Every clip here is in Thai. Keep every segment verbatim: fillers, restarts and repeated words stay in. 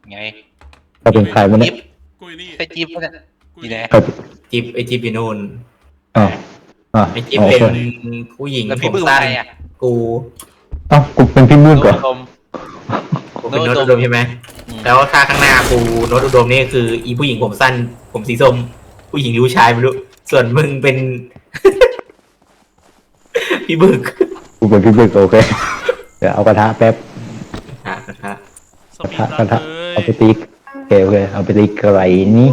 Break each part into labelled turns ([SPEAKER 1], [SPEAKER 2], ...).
[SPEAKER 1] ไง
[SPEAKER 2] เขาเป็นใครวะเนี่ย
[SPEAKER 3] กูอยู่นี่
[SPEAKER 1] ใช่จิ๊บปะเนี่ยดีแน่
[SPEAKER 2] เขา
[SPEAKER 4] จิ๊บไอจิ๊บอยู่นู่น
[SPEAKER 2] อ๋ออ๋อ
[SPEAKER 4] ไอจิ๊บ
[SPEAKER 2] โอ
[SPEAKER 4] เป็
[SPEAKER 2] เคน
[SPEAKER 4] ผู้หญิง
[SPEAKER 1] แล้ว
[SPEAKER 4] ผ
[SPEAKER 1] พี่
[SPEAKER 4] ม
[SPEAKER 1] บึ้ม
[SPEAKER 4] สั้น
[SPEAKER 1] ใครอ่ะ
[SPEAKER 4] กู
[SPEAKER 2] เอ้ากูเป็นพี่มืด
[SPEAKER 1] โน้
[SPEAKER 2] ก่อ
[SPEAKER 1] ตดม
[SPEAKER 4] กูเป็น
[SPEAKER 1] โน้
[SPEAKER 4] โน้
[SPEAKER 1] ต
[SPEAKER 4] ต
[SPEAKER 1] อุ
[SPEAKER 4] อุ
[SPEAKER 1] ด
[SPEAKER 4] ด
[SPEAKER 1] ม
[SPEAKER 4] มใช่ไหม
[SPEAKER 1] อืม
[SPEAKER 4] แล้วถ้าข้างหน้ากูโน้ตอุดมนี่คืออีผู้หญิงผมสั้น ผมสีส้มผู้หญิงหรือผู้ชายไม่รู้ส่วนมึงเป็น พี่บึก
[SPEAKER 2] กูเป็นพี่มืดโอเคเดี๋ยวเอากระทะแป๊บ
[SPEAKER 4] อ่ะฮะ
[SPEAKER 3] ส
[SPEAKER 2] กระ
[SPEAKER 3] ปี
[SPEAKER 2] ทะ
[SPEAKER 3] ดรั
[SPEAKER 2] กระ
[SPEAKER 3] น
[SPEAKER 2] ทะ
[SPEAKER 3] เลย
[SPEAKER 2] เอาไปตีโอเคโอเคเอาไปตีกระไรนี้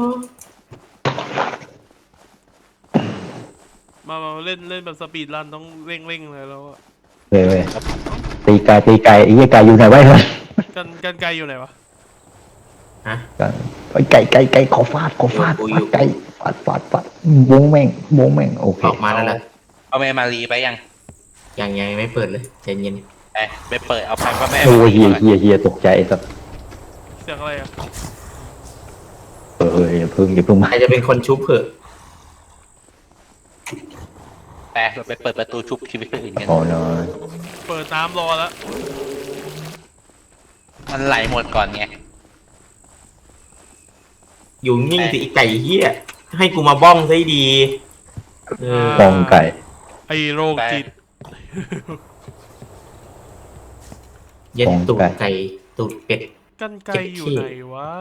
[SPEAKER 3] มามาเล่นเล่นแบบสปีดรันต้องเร่งเร่งเลยแล้วอะ
[SPEAKER 2] เลยเว้ยตีไก่ตีไก่ไอ้เหี้ยไก่อยู่ไหนวะเฮ้ย
[SPEAKER 3] กันกันไกลอยู่ไหนวะ
[SPEAKER 4] ฮะ
[SPEAKER 2] ไอ้ไก่ไก่ไก่ขอฟาดขอฟาด
[SPEAKER 4] อยู่อยู่
[SPEAKER 2] ฟาดไก่ฟาดฟาดฟาดวงแม่งวงแม่งโอเค
[SPEAKER 4] ออกมาแล้วเหรอ
[SPEAKER 1] เอาแม่มารีไปยัง
[SPEAKER 4] ยังยังไม่เปิดเลยใจเย็น
[SPEAKER 1] ไปไปเปิดเอาไปพ่อแม่
[SPEAKER 2] โอ้
[SPEAKER 1] มาย รี
[SPEAKER 2] เฮีย
[SPEAKER 1] ก่อน
[SPEAKER 2] เฮียเฮียตกใจสัส
[SPEAKER 3] เสียงอะไรอะ
[SPEAKER 2] เออเอออย่าเพิ่งอย่าเพิ่งมา
[SPEAKER 4] ใครจะเป็นคนชุบเผื่อ
[SPEAKER 1] ไปเราไปเปิดประตูชุบชีวิตคนอื่นกัน
[SPEAKER 2] โอ้นอน
[SPEAKER 3] เปิดน้ำรอแล้ว
[SPEAKER 1] มันไหลหมดก่อนไง
[SPEAKER 4] อยู่นิ่งสิไก่เหี้ยให้กูมาบ้องซะดีเออ
[SPEAKER 2] ปองไก่
[SPEAKER 3] ไอโรคจิต
[SPEAKER 4] เย็ดตูดไก่ตูดเป็ด
[SPEAKER 3] กันไกลอยู่ไหนวะ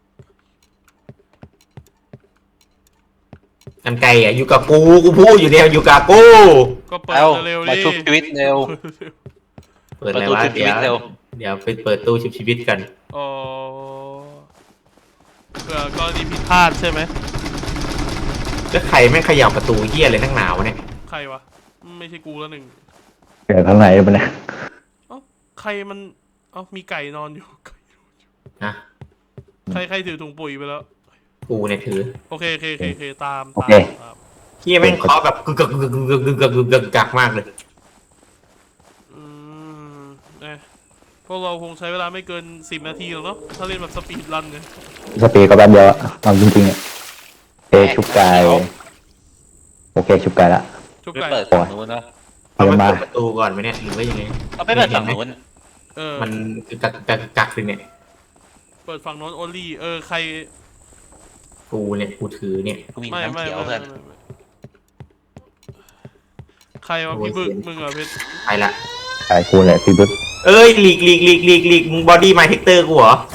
[SPEAKER 4] กันไก่อ่ะอยู่กับกูกูพูดอยู่เนี่ยอยู่กับกู
[SPEAKER 3] ก็เปิด
[SPEAKER 1] เอา
[SPEAKER 3] เร็วๆ
[SPEAKER 1] มา
[SPEAKER 3] ดิ
[SPEAKER 1] ชุบชีวิตเร็ว
[SPEAKER 4] เปิดอะไรวะ
[SPEAKER 1] เปิดตู้ชุบชี
[SPEAKER 4] เดี๋
[SPEAKER 1] วิ
[SPEAKER 4] ย
[SPEAKER 1] ต
[SPEAKER 4] ว
[SPEAKER 1] เร็ว
[SPEAKER 4] เดี๋ยวไปเปิดตู้ชุบชีวิตกัน
[SPEAKER 3] อ๋อเผื่อกรณีผิดพลาดใช่ไหม
[SPEAKER 4] แล้วใครไม่งเขย่าประตูเหี้ยอะไรนักหนาวะเนี่ย
[SPEAKER 3] ใครวะไม่ใช่กูแล้วหนึ่ง
[SPEAKER 2] เกิดข้างในมันเนี่ย
[SPEAKER 3] เอ้าใครมันเอ้ามีไก่นอนอยู่ ไก่นอนอยู่
[SPEAKER 4] นะ
[SPEAKER 3] ใครใครถือถุงปุ๋ยไปแล้ว
[SPEAKER 4] กูเนี่ยถือ
[SPEAKER 3] โอเคโอเคโอเคโอเคตาม
[SPEAKER 2] โอ
[SPEAKER 3] ตาม
[SPEAKER 2] เค
[SPEAKER 3] ตาม
[SPEAKER 4] เหี้ยแม่งเคาะแบบกึกกึกกึกกึกกึกกึกกึกกึกกักมากเลย
[SPEAKER 3] อืมเอ๊ะพวกเราคงใช้เวลาไม่เกินสิบนาทีหรอกเนาะถ้าเล่นแบบสปีดรันเนี่ย
[SPEAKER 2] สเปรย์ก็แป๊บเดียวอะเอาจริงๆอ่ะเอชุบไก่โอเคชุบไก่ละ
[SPEAKER 3] ชุบ
[SPEAKER 1] ไป
[SPEAKER 3] ไก่
[SPEAKER 1] เปิดฝั่งนู้นเนาะ
[SPEAKER 4] เอาไป
[SPEAKER 2] เดี๋ยวมา
[SPEAKER 4] เปิดประตูก่อนไหมเนี่ยหรือว่ายังไง
[SPEAKER 1] เอาไปเปิดฝั่งนู้น
[SPEAKER 3] เออ
[SPEAKER 4] มันคือกักกักกักเลยเนี่ย
[SPEAKER 3] เปิดฝั่งโน้นโอลี่เออใคร
[SPEAKER 4] กูเนี่ยกูถือเนี่ย
[SPEAKER 1] กูมี
[SPEAKER 3] ไม่
[SPEAKER 1] น้ำ
[SPEAKER 3] ไม่
[SPEAKER 1] เขียว
[SPEAKER 3] ไม่
[SPEAKER 1] เพื่อน
[SPEAKER 3] ไม่ไม่ใครวะพี่บึกมึงเหรอเพชร
[SPEAKER 4] ไปละ
[SPEAKER 2] ไก่กูแหละพี่บุ๊ค
[SPEAKER 4] เอ้ยหลีกหลีกหลีกหลีกหลีกมึงบอดี้ไมเทคเตอร์กูเหรอ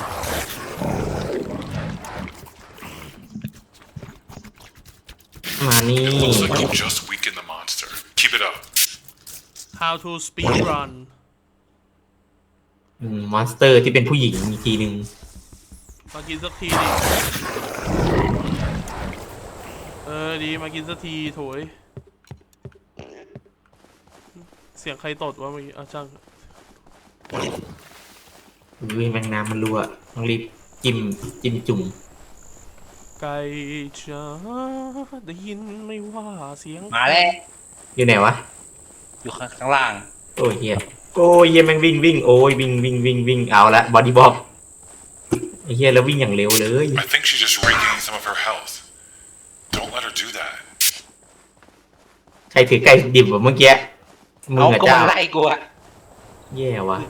[SPEAKER 4] มานี่
[SPEAKER 5] Looks like you just weakened the monster. Keep it up.
[SPEAKER 3] how to speed run
[SPEAKER 4] มอนสเตอร์ที่เป็นผู้หญิงอีกทีหนึ่ง
[SPEAKER 3] มากินสักทีดิเออดีมากินสักทีโถยเสียงใครตดวะเมื่อกี้อ่ะช่าง
[SPEAKER 4] อุ้ยแมงน้ำมันรั่วต้องรีบจิ้มจิ้มจุ่ม
[SPEAKER 3] ไก่จ้าได้ยินไม่ว่าเสียง
[SPEAKER 1] มาแล้ว
[SPEAKER 4] อยู่ไหนวะ
[SPEAKER 1] อยู่ข้างข้างล่าง
[SPEAKER 4] โอ้ยเฮียโอ้ยเฮียแม่งวิ่งวิ่งโอ้ยวิ่งวิ่งวิ่งวิ่งเอาละบอดี้บ็อกไอ้เฮียแล้ววิ่งอย่างเร็วเลย
[SPEAKER 5] I think she just regained some of her health. Don't let her do that.
[SPEAKER 4] ใครถือไก่ดิบแบบเมื่อกี้มึง
[SPEAKER 1] เอา
[SPEAKER 4] อะ
[SPEAKER 1] ก็
[SPEAKER 4] เจ้า
[SPEAKER 1] มาไล่กูอะ
[SPEAKER 4] แย่ว่ะ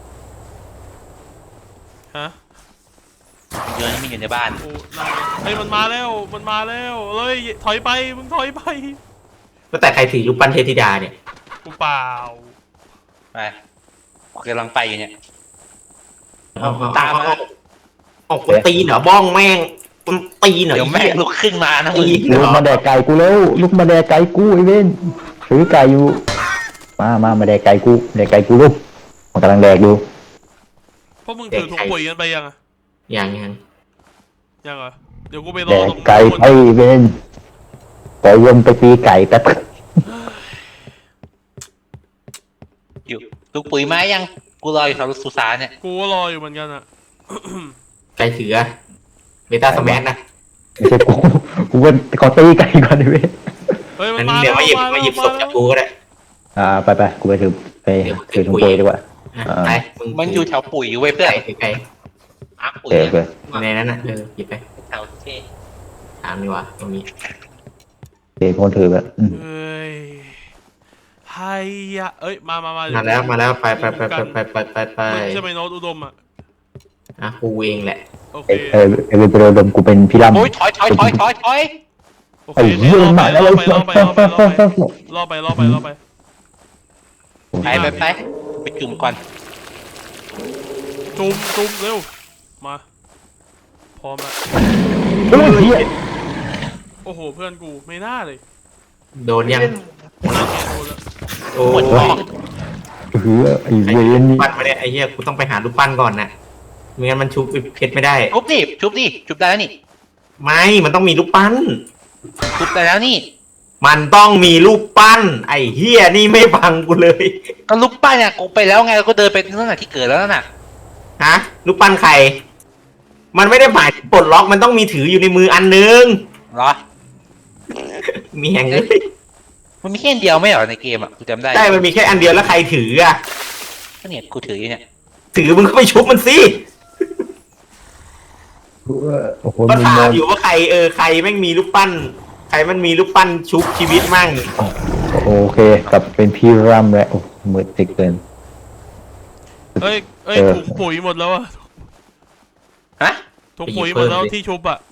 [SPEAKER 3] ฮะ
[SPEAKER 1] เยอะนี่มันอยู่ในบ้าน
[SPEAKER 3] โอ้นั่นไงเฮ้ยมันมาแล้วมันมาแล้วเฮ้ยถอยไปมึงถอยไป
[SPEAKER 4] ก็แต่ใครถือรูปปั้นเทพธิดาเนี่ย
[SPEAKER 3] กูเปล่า
[SPEAKER 1] ไปกูกำลังไปอยู่เนี่ย
[SPEAKER 4] เอาเอา
[SPEAKER 1] ตามมา
[SPEAKER 4] เอาเอาคนตีนเหรอบ้องแม่งคนตีนเหรอ
[SPEAKER 1] เดี๋ยวแม่งลุกขึ้นมานะมึ
[SPEAKER 4] ตี
[SPEAKER 1] ง
[SPEAKER 4] นเหร
[SPEAKER 2] ลุก
[SPEAKER 4] อ
[SPEAKER 2] มาแดกไก่กูแล้วลุกมาแดกไก่กูไอ้เว้นถือไก่อยู่มามามาแดกไก่กูแดกไก่กูลูกมันกำลังแดกอยู่
[SPEAKER 3] พวกมึงถือถุงปุ๋ยกันไปยังอะ
[SPEAKER 4] ยังยัง
[SPEAKER 3] ยังเหรอเดี๋ยวกูไปร
[SPEAKER 2] แด
[SPEAKER 3] อก ตรง
[SPEAKER 2] ไก่
[SPEAKER 3] นู้น
[SPEAKER 2] ไอ้เว้นขอวนไปตีไก่แป๊บ
[SPEAKER 1] อยู่ลูกปุ๋ยไม้ยังกูรออยู่แถวสุสานเนี่ย
[SPEAKER 3] กูก็รออยู่เหมือนกันอะ
[SPEAKER 4] ไก่ถือเบต้าสแมนนะ
[SPEAKER 2] ไม่ใช่กูกูเป็นขอตีไก่ก่อนไอ้เว้น
[SPEAKER 3] เฮ้ยมั
[SPEAKER 4] งั้
[SPEAKER 3] น
[SPEAKER 4] น
[SPEAKER 3] มา
[SPEAKER 4] เดี๋ยวมาหยิบ
[SPEAKER 3] แล้ว
[SPEAKER 4] มาหยิบศพจาก
[SPEAKER 3] แล้ว
[SPEAKER 4] กูก็ได้
[SPEAKER 2] อ่าไปไปกูไปถือไป
[SPEAKER 4] เดี๋ยว
[SPEAKER 2] ถือถุงปุ๋ยดีกว่า
[SPEAKER 4] อ่ะ
[SPEAKER 2] อ่า
[SPEAKER 4] ไปมึง
[SPEAKER 1] มันอยู่แถวปุ๋ยเว้ยเพื่อน
[SPEAKER 4] ไก่ถือไก่
[SPEAKER 1] อาร์
[SPEAKER 2] โอ
[SPEAKER 1] ปุ๋ย
[SPEAKER 2] เคโอเค
[SPEAKER 4] ในนั้นน่ะเออหยิบไป
[SPEAKER 1] แถวเท่
[SPEAKER 4] ถามดีกว่าตรงนี้
[SPEAKER 2] โอเคคนถือแบบอืม
[SPEAKER 3] เฮ้ยไฮยะเอ้ยมามามา
[SPEAKER 4] มาแล้วมาแล้วไปไปไปไปไปไปไปไป
[SPEAKER 3] มึงใช่ไหมโน้ตอุดมอะ
[SPEAKER 4] อ่ะกูเองแหละ
[SPEAKER 3] โอเค
[SPEAKER 2] เออเอเวนไปโดนกูเป็นพี่ลำ
[SPEAKER 1] โอ้ยถอยถอยถอยถอยถอย
[SPEAKER 3] โอเค
[SPEAKER 2] ไอ้เหี้ย
[SPEAKER 3] ล่อ
[SPEAKER 2] มา
[SPEAKER 3] ไป
[SPEAKER 2] แล้ว
[SPEAKER 3] ล่อไปล่อไปล่อไปล่อไปล่อไปล่อไปล่อไป
[SPEAKER 1] ไปไปไปไปจุ่มก่อน
[SPEAKER 3] จุ่มจุ่มเร็วมาพร้อมละ
[SPEAKER 2] เฮ้ยเหี้ย
[SPEAKER 3] โอ้โหเพื่อนกูไม่น่าเลย
[SPEAKER 4] โดนยัง
[SPEAKER 3] น่าเกลียดโดนแล้ว
[SPEAKER 4] โอ้
[SPEAKER 1] หมด
[SPEAKER 4] ย
[SPEAKER 1] หลอก
[SPEAKER 2] เออไอ้
[SPEAKER 4] ไอ้
[SPEAKER 2] เว
[SPEAKER 4] เหี้ย
[SPEAKER 2] รนี่
[SPEAKER 4] ปั้นมาเนี่ยไอ้เหี้ยกูต้องไปหารูปปั้นก่อนนะไม่งั้นมันชุบเพชรไม่ได้
[SPEAKER 1] ชุบดิชุบดิชุบได้แล้วนี่
[SPEAKER 4] ไม่มันต้องมีรูปปั้น
[SPEAKER 1] ชุบได้แล้วนี่
[SPEAKER 4] มันต้องมีรูปปั้น ไอ้เหี้ยนี่ไม่ฟังกูเลย
[SPEAKER 1] ก็ลุกป้าเนี่ยกูไปแล้วไงก็เดินไปนั่นน่ะที่เกิดแล้วน่ะ
[SPEAKER 4] ฮะรูปปั้นใคร มันไม่ได้หมายถึงปลดล็อกมันต้องมีถืออยู่ในมืออันนึง
[SPEAKER 1] เหรอ
[SPEAKER 4] มีแห่งเลย
[SPEAKER 1] มันมีแค่อันเดียวไม่เหรอในเกมอ่ะกูจำได้
[SPEAKER 4] ใช่มันมีแค่อันเดียวแล้วใครถืออ่ะ
[SPEAKER 1] ก็เนี่ยกูถืออยู่เนี่ย
[SPEAKER 4] ถือมึงก็ไปชุบมันสิ
[SPEAKER 2] โอ้โห
[SPEAKER 4] ก็
[SPEAKER 2] มึง
[SPEAKER 4] ถาม
[SPEAKER 2] มอง
[SPEAKER 4] อยู่ว่าใครเออใครแม่งมีรูปปั้น ใครมันมีรูปปั้นชุบชีวิตมั่ง
[SPEAKER 2] โอเคกลับเป็นพี่รำแล้วโอ้มืดติดเกิน
[SPEAKER 3] เอ้ยเอ้ย
[SPEAKER 2] เออ
[SPEAKER 3] ถุงปุ๋ยหมดแล้วอะ
[SPEAKER 1] ฮะ
[SPEAKER 3] ถุงปุ๋ยหมดแล้วที่ชุบอะ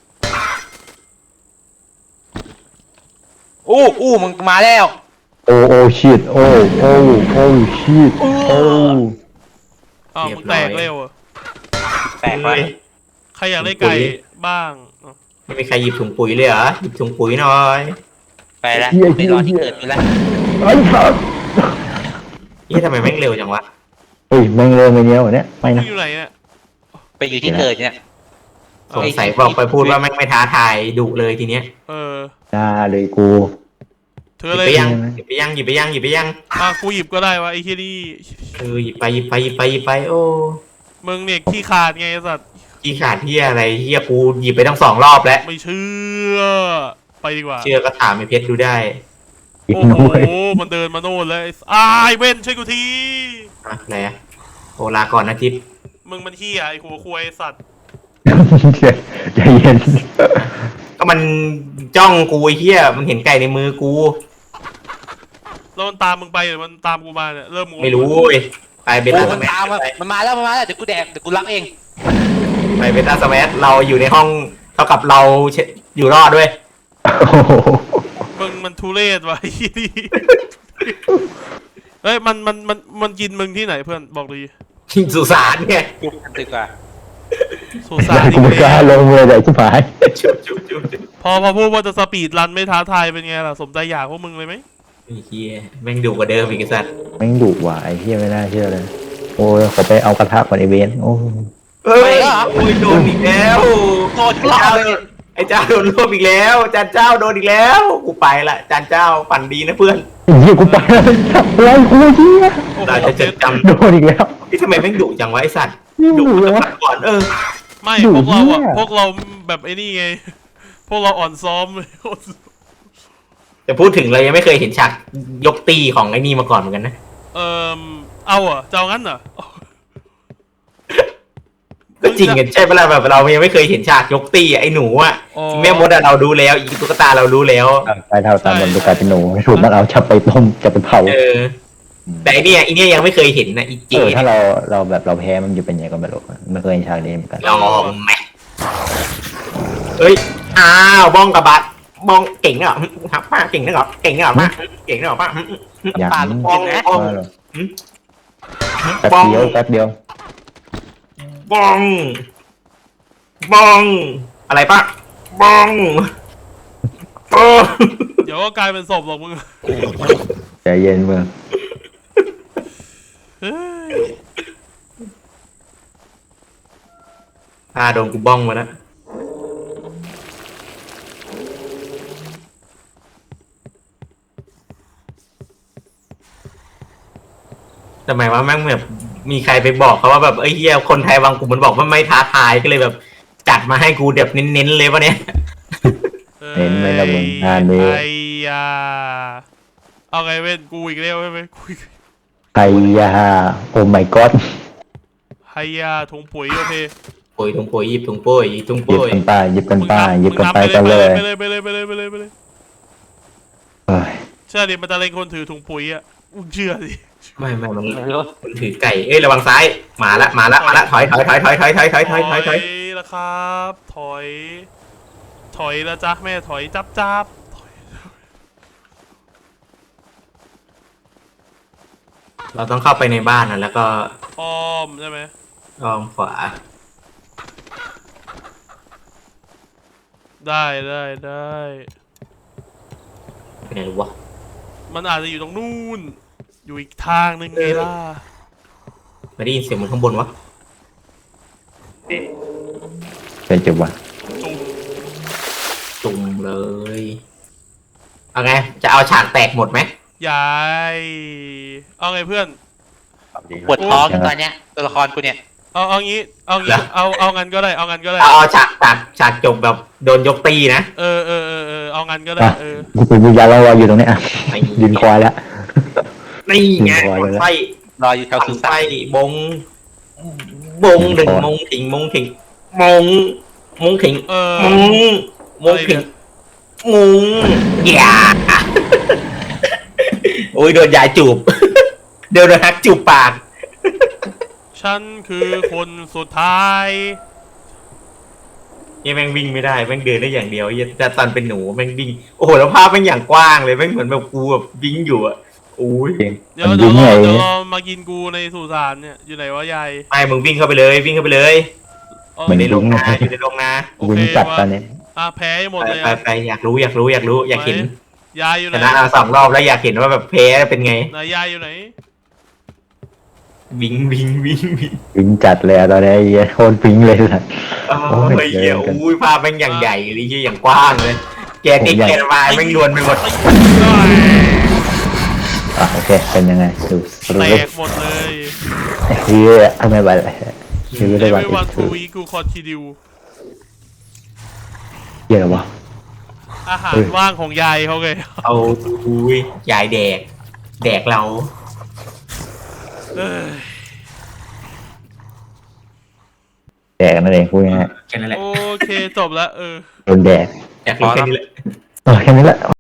[SPEAKER 1] อู้อู้มึงมาแล้ว
[SPEAKER 2] โอ้โอ้ชิดโอ้โอ้โอ้ชิดโอ้
[SPEAKER 3] อ้าวมึงแตกเร็วอะ
[SPEAKER 1] แตกไป
[SPEAKER 4] เฮ้ย
[SPEAKER 3] ใครอยากได้ไก่บ้างอ่ะ
[SPEAKER 4] ไม่มีใครหยิบถุงปุ๋ยเลยเหรอหยิบถุงปุ๋ยหน่อย
[SPEAKER 1] ไปแล้วไปรอที่เกิดไปแล้ว
[SPEAKER 2] ไอ้สัส
[SPEAKER 4] นี่ทำไมแม่งเร็วจังวะ
[SPEAKER 2] เฮ้ยแม่งเริ่มไปเนี้ยวันเนี้ยไม่
[SPEAKER 3] มึ
[SPEAKER 2] นะ
[SPEAKER 3] งอยู่ไหนเนี่ย
[SPEAKER 1] ไปอยู่ที่เกิดเนี่ย
[SPEAKER 4] สงสัยบอกไปพูดว่าแม่งไม่ท้าทายดุเลยทีเนี้ย
[SPEAKER 3] เออ
[SPEAKER 2] น่าเลยกู
[SPEAKER 3] เธ
[SPEAKER 4] ห
[SPEAKER 3] อ
[SPEAKER 4] ยิบ
[SPEAKER 3] อะไร
[SPEAKER 4] ไปยังหยิบไปยังหยิบไปยังหยิบไปยัง
[SPEAKER 3] อ่ะกูหยิบก็ได้วะไอ้ที่นี่
[SPEAKER 4] เออหยิบไปหยิบไปหยิบไปหยิบไปโอ้
[SPEAKER 3] มึงเนี่ยขี้ขาดไงไอ้สัตว์
[SPEAKER 4] ขี้ขาดเฮียอะไรเฮียกูหยิบไปตั้งสองรอบแล้ว
[SPEAKER 3] ไม่เชื่อไปดีกว่า
[SPEAKER 4] เชื่อก็ถามไอ้เพชรดูได้
[SPEAKER 2] อีก
[SPEAKER 3] โอ้
[SPEAKER 2] ห
[SPEAKER 3] โห
[SPEAKER 2] น่อย
[SPEAKER 3] มันเดินมาโน่นเลยอ้ายเว้นช่วยกูที
[SPEAKER 4] อะอะไรอะโอลาก่อนนะทิพย์
[SPEAKER 3] มึงมันเฮียไอ้หัวควายไอ้สัตว์
[SPEAKER 2] ใจเย็น
[SPEAKER 4] ก็มันจ้องกูไอ้เฮียมันเห็นไก่ในมือกู
[SPEAKER 3] แล้วมันตามมึงไปหรือมันตามกูมาเนี่ยเริ่มงง
[SPEAKER 4] ไม่รู้เว้ยไปเบ
[SPEAKER 1] โอ้
[SPEAKER 4] ต้าส
[SPEAKER 1] มัน
[SPEAKER 4] แม
[SPEAKER 1] ตาม
[SPEAKER 4] ส
[SPEAKER 1] มามันมาแล้วมันมาแล้วเดี๋ยวกูแดกเดี๋ยวกูรับเอง
[SPEAKER 4] ไปเบต้าสแมสเราอยู่ในห้องเท่ากับเราเชอยู่รอดด้วย
[SPEAKER 2] โอ้โห
[SPEAKER 3] มึงมันทุเรศวะไอ้ที่นี่เฮ้ยมันมันมันมันกินมึงที่ไหนเพื่อนบอกดี
[SPEAKER 4] สุสานไง
[SPEAKER 1] จุบกันดีกว่า
[SPEAKER 3] สุสานอี
[SPEAKER 2] กู
[SPEAKER 3] ก
[SPEAKER 2] ไม่กล้า
[SPEAKER 3] แล้ว
[SPEAKER 2] ลงเลยเลยชิบหาย
[SPEAKER 4] ชุบชุบชุบชุบ
[SPEAKER 3] พอพอพูดว่าจะสปีดรันไม่ท้าทายเป็นไงล่ะสมใจอยากพวกมึงเลยไหม
[SPEAKER 4] ไอ้เฮียแม่งดุกว่าเดิมอีกไอ้สัตว์
[SPEAKER 2] แม่งดุว่ะไอ้เหี้ยไม่น่าเชื่อเลย โอ้ยขอไปเอากระทะก่อนไอเวนโอ้
[SPEAKER 4] เฮ้ยโอ้ยโดนอีกแล้ว
[SPEAKER 1] โดนทุกรอบเลย
[SPEAKER 4] ไอ้เจ้าโดนรวบอีกแล้วจานเจ้าโดนอีกแล้วกูไปละจานเจ้าฝันดีนะเพื่อน
[SPEAKER 2] ไอ้เหี้ยกูไปแล้วอะไรกูเหี้ย
[SPEAKER 3] โอ้โห
[SPEAKER 4] เราจะจดจำ
[SPEAKER 2] โดนอีกแล้ว
[SPEAKER 4] นี่ทำไมแม่งดุจังวะไอสัตว์
[SPEAKER 2] นี่
[SPEAKER 4] ดุ
[SPEAKER 2] ดุเลยวะ
[SPEAKER 4] ก่อนเออ
[SPEAKER 3] ไม่
[SPEAKER 2] อยู่
[SPEAKER 3] พวกเราอะ
[SPEAKER 2] เนี่ย
[SPEAKER 3] พวกเราแบบไอ้นี่ไง พวกเราอ่อนซ้อมเลย
[SPEAKER 4] แต่พูดถึงเรายังไม่เคยเห็นฉากยกตีของไอ้นี่มาก่อนเหมือนกันนะ
[SPEAKER 3] เอ่อเอาอ่ะจะเอางั้นเหรอ
[SPEAKER 4] ก็จริงกันใช่ปะล่ะแบบเรายังไม่เคยเห็นฉากยกตีไอ้หนูอ่ะ
[SPEAKER 3] อ๋อ
[SPEAKER 4] แม่มดอะเราดูแล้วอีตุ๊กตาเรารู้แล้ว
[SPEAKER 2] ไปเท่าตามบนดูกลายเป็นหนูถูกมันเอาจับไปต้มจับไปเผา
[SPEAKER 4] เออ แต่ไอเนี่ยไอเนี่ยยังไม่เคยเห็นนะอีเจ
[SPEAKER 2] เออถ้าเราเราแบบเราแพ้มันจะเป็นยังไงก็ไม่รู้ไม่เคยเห็นฉากนี้เหมือนกัน
[SPEAKER 4] ลองไหมเอ้ยอ้าวบ้องกับบัตบ้องเก่งเหรอครับป้าเก่งนะเหรอเก่งนะเหรอป้าเก่งนะเหรอป้า
[SPEAKER 2] อย่าง
[SPEAKER 1] ปา
[SPEAKER 2] นี้
[SPEAKER 1] ลูก
[SPEAKER 4] บ้อง
[SPEAKER 1] เห็นไหม
[SPEAKER 4] บ้อง
[SPEAKER 2] ว่าเหรอ
[SPEAKER 4] หืม
[SPEAKER 2] แป๊บ
[SPEAKER 4] บ้อง
[SPEAKER 2] เดียวแป๊บเดียว
[SPEAKER 4] บ้องบ้องอะไรป้าบ้องบ้อง
[SPEAKER 3] เดี๋ยวก็กลายเป็นศพหรอกมึง
[SPEAKER 2] ใจเย็นมึง
[SPEAKER 3] เฮ้ย
[SPEAKER 4] อ่าโดนกูบ้องมาแล้วทำไมว่าแม่งแบบมีใครไปบอกเขาว่าแบบเอ้ยเฮียคนไทยวางกลุ่มมันบอกว่าไม่ท้าทายก็เลยแบบจัดมาให้กูแบบเน้นๆเลยวะเนี่ย
[SPEAKER 2] เห็นไหมล่ะมึงงานนี้
[SPEAKER 3] ไอ้ยาเอาไงเว้นกูอีกแล้วใช่ไหมกูอีก
[SPEAKER 2] ไอ้ยาโอ้ my god
[SPEAKER 3] ไฮยาถุงปุ๋ยโอเค
[SPEAKER 4] ปุ๋ยถุงปุ๋ยหยิบถุงปุ๋ยหยิบถุง
[SPEAKER 2] หยิบ
[SPEAKER 4] ปุ๋ย
[SPEAKER 2] กันไปหยิบกันไปหยิบ
[SPEAKER 3] มึง
[SPEAKER 2] กัน
[SPEAKER 3] นำ
[SPEAKER 2] ไปกันเลย
[SPEAKER 3] ไปเลยไปเลยไปเลยไปเลยไปเลย
[SPEAKER 2] เฮ้ย
[SPEAKER 3] เชื่อดิมันจะเล่นคนถือถุงปุ๋ยอ่ะมึงเชื่อดิ
[SPEAKER 4] ไม่ไม่มัน
[SPEAKER 1] ไม่รู้
[SPEAKER 4] มันถือไก่เอ้ยระวังซ้ายมาละมาละมาละถอยถอยถอยถอยถอยถอยถอยถอยถอยถอย
[SPEAKER 3] แล้วครับ ถอย ถอยแล้วจ้ะแม่ถอยจับจับถอย
[SPEAKER 4] เราต้องเข้าไปในบ้านนะแล้วก็
[SPEAKER 3] อ้อมใช่ไหม
[SPEAKER 4] อ้อมขวา
[SPEAKER 3] ได้ได้ได้
[SPEAKER 4] ไปไหนรู้วะ
[SPEAKER 3] มันอาจจะอยู่ตรงนู่น อยู่อีกทางหนึ่งไงล่ะ
[SPEAKER 4] ไม่ได้ยินเสียงมันข้างบนวะ
[SPEAKER 2] เป็นจุดวะ
[SPEAKER 3] จุ่ม
[SPEAKER 4] จุ่มเลย เอาไง จะเอาฉากแตกหมดไหม
[SPEAKER 3] ยายเอาไงเพื่อน
[SPEAKER 1] ปวดท้องตอนเนี้ยตัวละครกูเนี่ย
[SPEAKER 3] เอาเอางี้ เอางี้ เอาเอางั้นก็ได้ เอางั้นก็ได้
[SPEAKER 4] เอาเอาฉากฉากฉากจบแบบโดนยกตีนะ
[SPEAKER 3] เออเออเออเออเอางั้นก็ได้
[SPEAKER 2] อ่ะ
[SPEAKER 3] เออ
[SPEAKER 2] กูเป็นวิญญาณลอยๆอยู่ตรงเนี้ยอ่ะยืนคอยแล้ว
[SPEAKER 4] นี่ไง
[SPEAKER 2] ยิงบอลเลยนะ
[SPEAKER 4] ไฟ
[SPEAKER 1] รออยู่แถวสุ
[SPEAKER 4] ไฟ
[SPEAKER 1] สาน
[SPEAKER 4] บง บงหนึ่งมงถิงมงถิงมงมงถิง
[SPEAKER 3] เออ
[SPEAKER 4] มงมงถิงมงอย่าโอ้ยโดนยายจูบ เดี๋ยวโดนฮักจูบปาก
[SPEAKER 3] ฉันคือคนสุดท้าย
[SPEAKER 4] ยังแม่งวิ่งไม่ได้แม่งเดินได้อย่างเดียวยังแต่ตอนเป็นหนูแม่งวิ่งโอ้โหแล้วภาพแม่งอย่างกว้างเลยแม่งเหมือนแบบกูแบบวิ่งอยู่อะโอ้ย
[SPEAKER 3] เดี๋ยว
[SPEAKER 2] มัน
[SPEAKER 3] เดี๋
[SPEAKER 2] ยิ
[SPEAKER 3] ยว
[SPEAKER 2] ง
[SPEAKER 3] ร
[SPEAKER 2] ไง
[SPEAKER 3] อเดี๋ยวรอมากินกูในสุสานเนี่ย อยู่ไหนวะยาย
[SPEAKER 4] ไม่มึงวิ่งเข้าไปเลยวิ่งเข้าไปเลย
[SPEAKER 3] เอา
[SPEAKER 2] มั
[SPEAKER 4] อยู่
[SPEAKER 2] น
[SPEAKER 4] ในโรง
[SPEAKER 2] วิ่ง
[SPEAKER 4] นาอยู่ในโรงนา
[SPEAKER 3] โอเค
[SPEAKER 2] วิ่งจัด
[SPEAKER 3] วะ
[SPEAKER 2] ตอนนี้
[SPEAKER 3] อ่ะแพ้ให้หมด
[SPEAKER 4] ไป
[SPEAKER 3] เลย
[SPEAKER 4] ไป
[SPEAKER 3] อ่ะ
[SPEAKER 4] ไปอยากรู้อยากรู้อยากรู้อยากเห็น
[SPEAKER 3] ยายอยู่ไห
[SPEAKER 4] ช
[SPEAKER 3] น
[SPEAKER 4] นะเอาสองรอบแล้วอยากเห็นว่าแบบแพ้เป็นไง
[SPEAKER 3] ไหนยายอยู่ไหน
[SPEAKER 4] วิ่งวิ่งวิ่งวิ่ง
[SPEAKER 2] วิ่งจัดเลยอะตอนนี้ไอ้เหี้ยโคตรวิ่งเลยสัส
[SPEAKER 4] โอ้
[SPEAKER 2] โอ้ย
[SPEAKER 4] ยเหี้ย
[SPEAKER 2] เดินกัน
[SPEAKER 4] อุ้ยภาพแม่งอย่างใหญ่เลยเหี้ยอย่างกว้างเลยแกติดแกนวายแม่งรวนไปหมด
[SPEAKER 2] อ่ะโอเคเป็นยังไงดูสรุ
[SPEAKER 3] แต
[SPEAKER 2] ป
[SPEAKER 3] กหมดเลย
[SPEAKER 2] เฮียเอาไม่ไหวเลยคือไม่ได้ไหว
[SPEAKER 3] everyone
[SPEAKER 2] คื
[SPEAKER 3] to
[SPEAKER 2] อ
[SPEAKER 3] we กูคอนทิดิว
[SPEAKER 2] เฮียอะไรวะ
[SPEAKER 3] อาหาร
[SPEAKER 2] เฮ้ย
[SPEAKER 3] ว่างของยายเขาไง
[SPEAKER 4] เอาอุ้ยยายแดก แดกเรา
[SPEAKER 3] เอ้ย
[SPEAKER 2] แดกนั่นเองพูดง่าย
[SPEAKER 4] แค่นั้นแหละ
[SPEAKER 3] โอเคจบแล้วเออ
[SPEAKER 2] ๆโดนแดก
[SPEAKER 4] อยากรู้แค่นี้แหละ
[SPEAKER 2] เออแค่นี้แหละ